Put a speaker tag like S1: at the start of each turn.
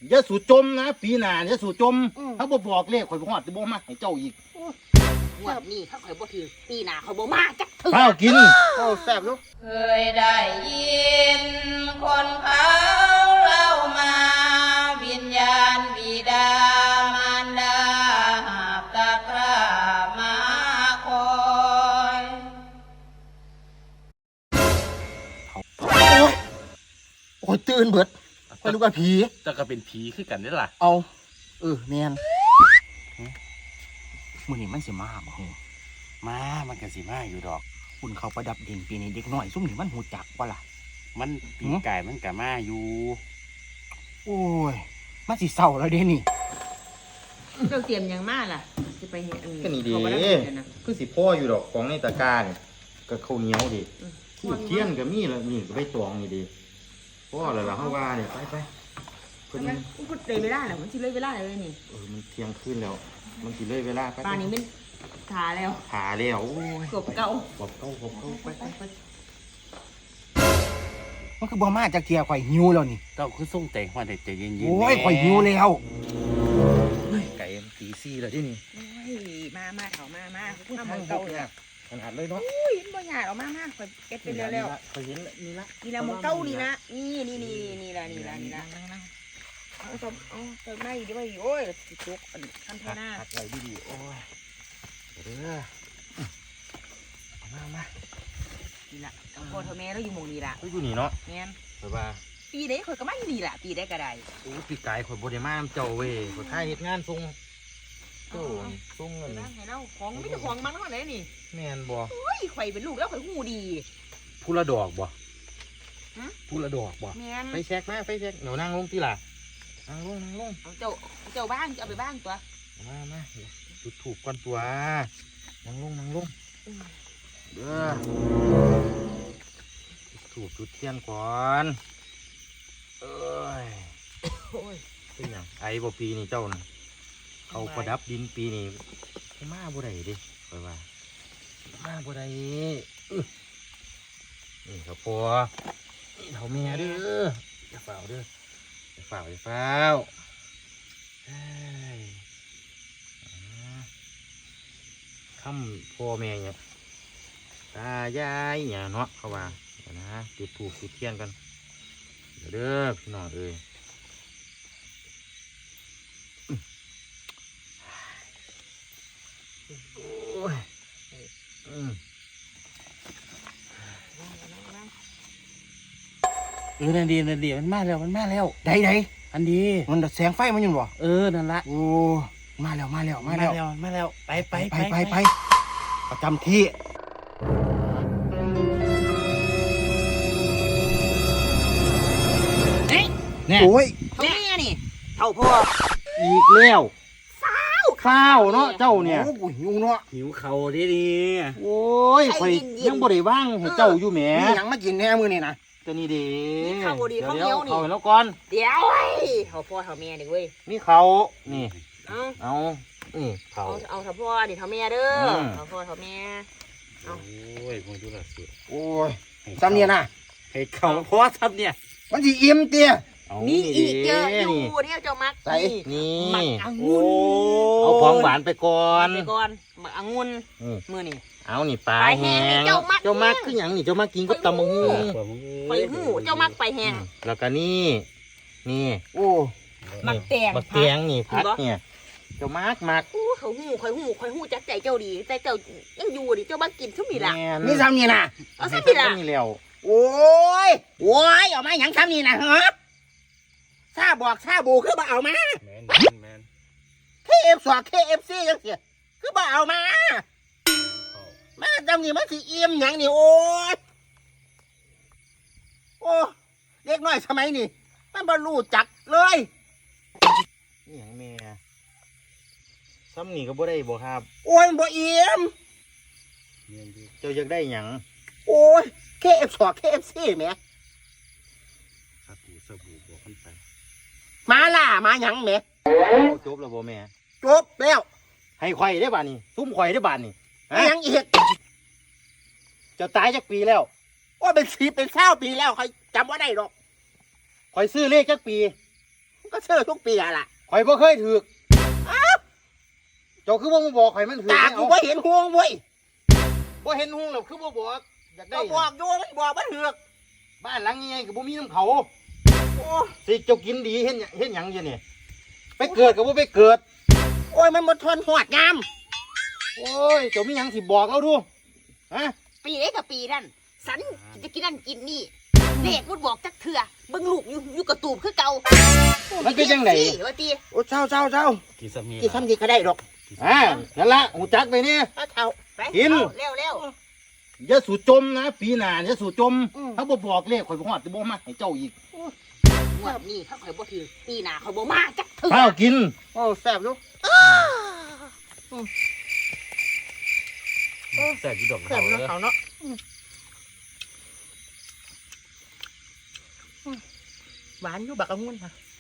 S1: อย่าสู่จมนะปีหน้าอย่าสู่จมเขาบอกเลขข่อยบ่ฮอดสิบ่มาให้เจ้าอีก
S2: งวดนี้ถ้าข่อยบ่ถือปีหน้าข่อยบ่มาจักเถื่อ
S1: ข้าวกินข้าวแซ่บลูก
S3: เคยได้ยินคนเขาเล่ามาวิญญาณบิดามารดาหาบตะกร้ามาคอย
S1: โอ้ยตื่นเบิดข่อยนึกว่าผี
S4: แต่ก็เป็นผีคือกันนี่ล่ะ
S1: เอาแม่นมื้อนี้มันสิมาบ่ฮู้
S4: มันก็สิมาอยู่ดอก
S1: คุณเขาประดับดินปีนี้เด็กน้อยซุ่มนี่มันหูจักบ่ล่ะ
S4: มันปีไก่มันก็มาอยู่
S1: โอ้ยมันสิเศร้าแล้วเด้นี่
S2: เจ้าเตรียมยังมาล่ะสิไปเฮ็ด
S1: ก็นี่ดิคือสิพ่ออยู่ดอกของในตะกร้านี่ก็ข้าวเหนียวดิเทียนก็มีแล้วนี่ก็ไปตองนี่ดิพ่อแล้วล่ะเฮาว่านี่ไปเพิ่น
S2: พูดเลยเวลาแล้วมันสิเลยเวลาเลยนี่
S1: มันเที่ยงคืนแล้วมันสิเลยเวลาไป
S2: ป่านนี้มันขาแล้ว
S1: โอ้ย
S2: กบเก่า
S1: ไปมันคือบ่มาจากเที่ยข่อยหิวแล้วนี่
S4: เจ้าคือส่งใจฮอดใจเย็นๆ
S1: โอ้ยข่อยหิวแล้ว
S4: ไก่ตีซี่แล้วที่นี่
S2: โอ้ยมาเถามาพูดทำมันเก่าเนี่ย
S1: ขนาดเลยเนาะ
S2: อุ้ยบ่หยาดออกมาข่อยเก็บไปแล้ว
S1: ข่อยเห็นนี่ละ
S2: มันเก่านี่นะนี่ละเอาเติมได้ดิว่าโอ้ยสิจุกทำแท้หน้า
S1: ตัดไว้ดีๆโอ้ยเด้อมา
S2: นี่ละพ่อเธอแม่เราอยู่หมู่นี้ละ
S1: อยู่นี่เนาะ
S2: แม่น
S1: ข่อยว่า
S2: ปีได้ข่อยก็มาอยู่นี่ละปีได้ก็ได้
S1: โอ้ปีกายข่อยบ่ได้มาเจ้าเว้ยข่อยถ่ายเฮ็ดงานส่งเจ้าส่งเงิน
S2: ให้เราของไม่ใช่ของมันเท่าไหร่นี่
S1: แม่นบ่
S2: โอ้ยข่อยเป็นลูกแล้วข่อยหูดี
S1: ผู้ละดอกบ่ผู้ละดอกบ่ไปแช็กมาไปแช็กเดี๋ยวนั่งลงทีล่ะนั่งลง
S2: เอาเจ้าบ้างเอาไปบ้างตัว
S1: มาจุดถูกก่อนตัวนั่งลงเด้อถูกจุดเทียนก่อนเอ้ยเป็นอย่างไอ้บ่ปีนี่เจ้าน่ะเขาประดับดินปีนี่มาบ่ได้ดิคอยว่ามาบ่ได้นี่เขาพอนี่เขาแม่เด้ออย่าเฝ้าเด้ออย่าเฝ้าคำพ่อแม่เนี่ยตายายเนี่ยเนาะเขาว่าเดี๋ยวนะจุดถูกจุดเทียนกันเด้อพี่น้องเอ้ยโอ้ย
S4: นั่นดีมันมาแล้ว
S1: ได้
S4: อันดี
S1: มันแสงไฟมันอยู่บ่
S4: นั่นละ
S1: โอ้มาแล้วไปประจำที่
S2: โอ้ยเท่านี้นี่เท่าพ่อ
S1: อีกแล้วข้าวเนาะเจ้าเนี่ย
S4: โอ้หิวเนาะหิวเขาดี
S1: โอ้ยข่อยยังบ่ได้ว่างให้เจ้าอยู่แหม
S4: มีหยังมากินแน่มื้อนี่นะ
S1: ตัวนี้ดี
S2: ข้าวดีข้าวเหนียวนี่
S1: เอาแล้วก่อน
S2: เดี๋ยวเท่าพ่อเท่าแม่ดิเว้ย
S1: มีเขานี่เอาเขา
S2: เอาเท่าพ่อดิเท่าแม่เด้อเท่าพ่อเท่าแม่
S4: โอ้ยมึงดูล่ะสุด
S1: โอ้ยซ้ำเนี่ยนะ
S4: ให้เขาพ่อซ้ำเนี่ย
S1: มันสิอิ่มเตี้ย
S2: มีอีกเยอะอยู่เนี่ยเจ้ามัก
S1: นี่
S2: มักองุ่น
S1: เอาของหวานไปก่อน
S2: มักองุ่นมือนี่
S1: เอานี่ปลาแห้งเจ้ามักคือหยังนี่เจ้ามักกินกับตำบักหุ่ง
S2: ไปหูเจ้ามักไปแห้ง
S1: แล้วก็นี่โอ้
S2: มักแตง
S1: นี่พักเนี่ยเจ้ามัก
S2: โอ้เขาหูคอยหูจักใจเจ้าดีแต่เจ้ายังอยู่ดิเจ้ามักกินซุ่มนี่ล่ะ
S1: นี่ซ้ำนี่นะ
S2: เอาซ้ำนี่ล่ะ
S1: นี่แล้ว
S2: โอ้ยเอามาหยังซ้ำนี่นะฮะซาบูคือบ่เอามา
S4: แมน
S2: KFC จังซี่คือบ่เอามาจำนี่มันสิอิ่มหยังนี่โอ้เด็กน้อยสมัยนี่มันบ่รู้จักเลย
S1: นี่หยังแม่ซ้ำนี่ก็บ่ได้บ่ครับ
S2: โอ้ยบ่อิ่ม
S1: เจ้าอยากได้หยัง
S2: โอ้ย KFC แม่
S4: สบู่บอกกันไป
S2: มาล่ะมาหยังแม่
S1: จบแล้วบ่แม่
S2: จบแล้ว
S1: ให้ข่อยได้บาดนี่ซุ้มข่อยได้บาดนี่
S2: ยังอีก
S1: จะตายจักปีแล้ว
S2: ว่าเป็น20 ปีแล้วเขาจำว่าได้หรอก
S1: ข่อยซื้อเลขจักปี
S2: ก็เชื่อทุกปีอะล่ะ
S1: ข่อยบ่เคยถือกเจ้าคือบ่มาบอกข่อยมันถือก
S2: ตากูไม่เห็นห่วงเว้ย
S1: บ่เห็นหุ้งแล้วคือบ่บอกอยากได้
S2: ก็บอกอยู่มันบอกมันเถือก
S1: บ้านหลังใหญ่ๆก็บ่มีน้ำเขา
S2: โอ้
S1: สิเจ้ากินดีเห็นหยังอยู่นี่ไปเกิดก็บ่ไปเกิด
S2: โอ้ยมันหมดทนหอดงาม
S1: โอ้ยเจ้ามีหยังสิบอกเราดูฮะ
S2: ปีนี้กับปีนั่นสันจะกินนั่นกินนี่เด็กมันบอกจักเถื่อเบิ่งลูกอยู่กระตูบคือเก่า
S1: มันเป็นจังได
S2: ว่าตี
S1: โอ้เจ้า
S4: กี่สามี
S2: กี่คำดีก็ได้หรอก
S1: นั่นละหูจักไปเนี่ย
S2: เอาเท่าไป
S1: กิน
S2: เอาเร็วเร็ว
S1: อย่าสู่จมนะปีหน้าอย่าสู่จมถ้าบ่บอกเลขข่อยบ่ฮอดสิบ่มาให้เจ้าอีก
S2: งวดนี้ถ้าข่อยบ่ถือปีหน้าข่อยบ่มาจักเถื่อ
S1: ข้าวกิน
S2: โอ้แซ่บลูก
S4: แซ่บอยู่ดอก
S2: แซ่บ
S4: เขา
S2: เนาะ
S4: เลย
S2: เขาเนาะหวานอยู่บักองุ่นค่ะ